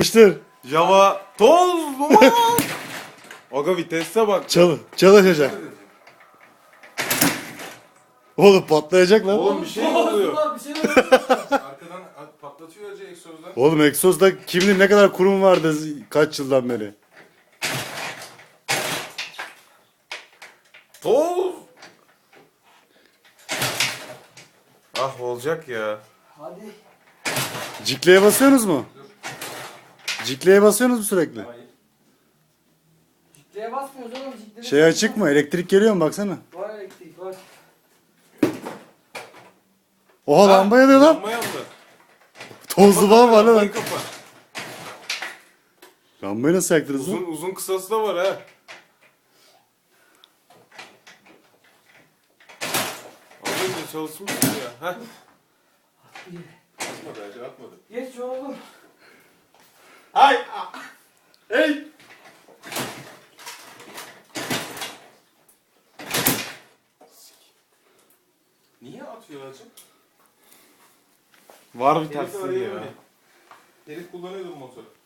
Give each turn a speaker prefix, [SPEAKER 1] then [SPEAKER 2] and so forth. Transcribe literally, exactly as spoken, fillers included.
[SPEAKER 1] Yapıştır.
[SPEAKER 2] Java toz duman. Aga vitese bak.
[SPEAKER 1] Çal çalışacak. Oğlum patlayacak lan.
[SPEAKER 2] Oğlum bir şey mi oluyor?
[SPEAKER 3] Ulan bir şey oluyor.
[SPEAKER 4] Arkadan patlatıyor önce egzozdan.
[SPEAKER 1] Oğlum egzozda kim bilir ne kadar kurum vardı kaç yıldan beri.
[SPEAKER 2] Toz. Ah olacak ya.
[SPEAKER 3] Hadi.
[SPEAKER 1] Cikleye basıyorsunuz mu? Cikleye basıyorsunuz mu sürekli?
[SPEAKER 3] Cikleye basmıyoruz oğlum. Cikleye
[SPEAKER 1] Şey açık mı? Elektrik geliyor mu baksana.
[SPEAKER 3] Var elektrik var.
[SPEAKER 1] Oha lamba yanıyor lan.
[SPEAKER 2] Lamba yandı.
[SPEAKER 1] Tozlu falan var lan.
[SPEAKER 2] Lambayı kapa.
[SPEAKER 1] Lambayı nasıl yaktınız lan?
[SPEAKER 2] Uzun uzun kısası da var ha. Az önce çalışmıştı ya. Heh.
[SPEAKER 4] Atmadı acı atmadı.
[SPEAKER 3] Geç oğlum.
[SPEAKER 2] Ay. Hey.
[SPEAKER 4] Niye atıyor acı?
[SPEAKER 2] Var bir
[SPEAKER 4] Herif
[SPEAKER 2] tersliği ya.
[SPEAKER 4] arayamadı. Herif kullanıyordu bu motoru.